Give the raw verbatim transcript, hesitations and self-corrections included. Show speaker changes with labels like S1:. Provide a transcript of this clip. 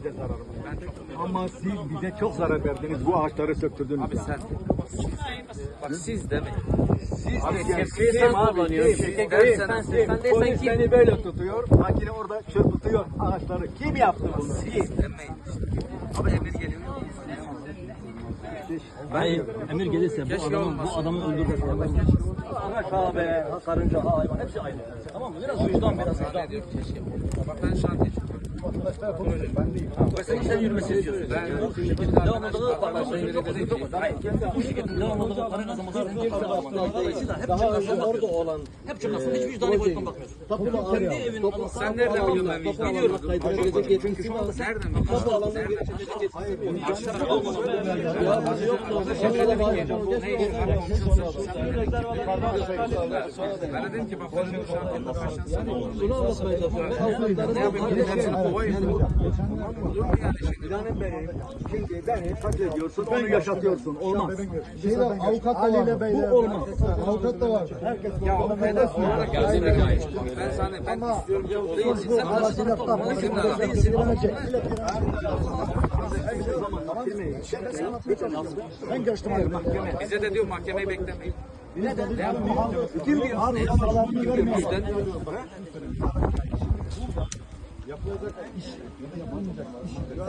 S1: bize zararımız.
S2: Ben çok
S1: Ama siz bize çok zarar verdiniz. Bu ağaçları söktürdünüz.
S2: Abi
S1: ya.
S2: sen. Bak siz demeyin.
S1: Siz
S2: Abi
S1: de
S2: şemsiye
S1: kim
S2: sen
S1: abi,
S2: kullanıyorsun.
S1: kim?
S2: Şirket
S1: Kim?
S2: dersen
S1: Sen
S2: sen, sen değilsen
S1: Polis
S2: kim?
S1: seni böyle tutuyor. Makine orada çırpıtıyor ağaçları. Kim yaptı bunu?
S2: Siz
S1: Siz.
S2: demeyin. Abi emir geliyor.
S3: Hayır, emir gelirse bu
S2: Keşke
S3: adamın
S2: olmasın.
S3: bu adamı öldürmesi. Ana kahve, ha karınca, ha hayvan hepsi aynı. Tamam mı? Biraz vicdan, biraz vicdan.
S2: Ne diyor keşke. Bak ben şantiye çıkıyorum.
S3: Mesela sen yürümesi istiyorsun.
S2: Ben bu şekilde
S3: Devamlılığı parmakla çok Hayır. Bu şirketin devamlılığı para kazanması dolayısıyla hep çıkarsın orada olan hep çıkarsın hiç vicdani boyuttan bakmıyorsun. Kendi evin anasını
S2: Sen nereden biliyorsun ben vicdanı?
S3: biliyorum.
S2: Çünkü şu anda nereden biliyorsun? Nereden Ben dedim ki bak ben şu şantiyede başlasan sen olur.
S3: Bunu anlatmaya çalışıyorum.
S2: Ne yapayım? Hepsini kovayım.
S1: Planım benim. Şimdi beni katlediyorsun, onu yaşatıyorsun. Olmaz.
S4: Şeyde avukat da var. Bu olmaz. Avukat da var.
S2: Ya hedef olarak geldiğine gayet. Ben sana ben istiyorum ki o değilsin. Sen
S4: Arasıyla
S2: arasında
S4: değilsin.
S2: değilsin.
S4: Ben geçtim abi mahkeme.
S2: Bize de diyor mahkemeyi beklemeyin.
S1: Kim diyor?
S2: Bizden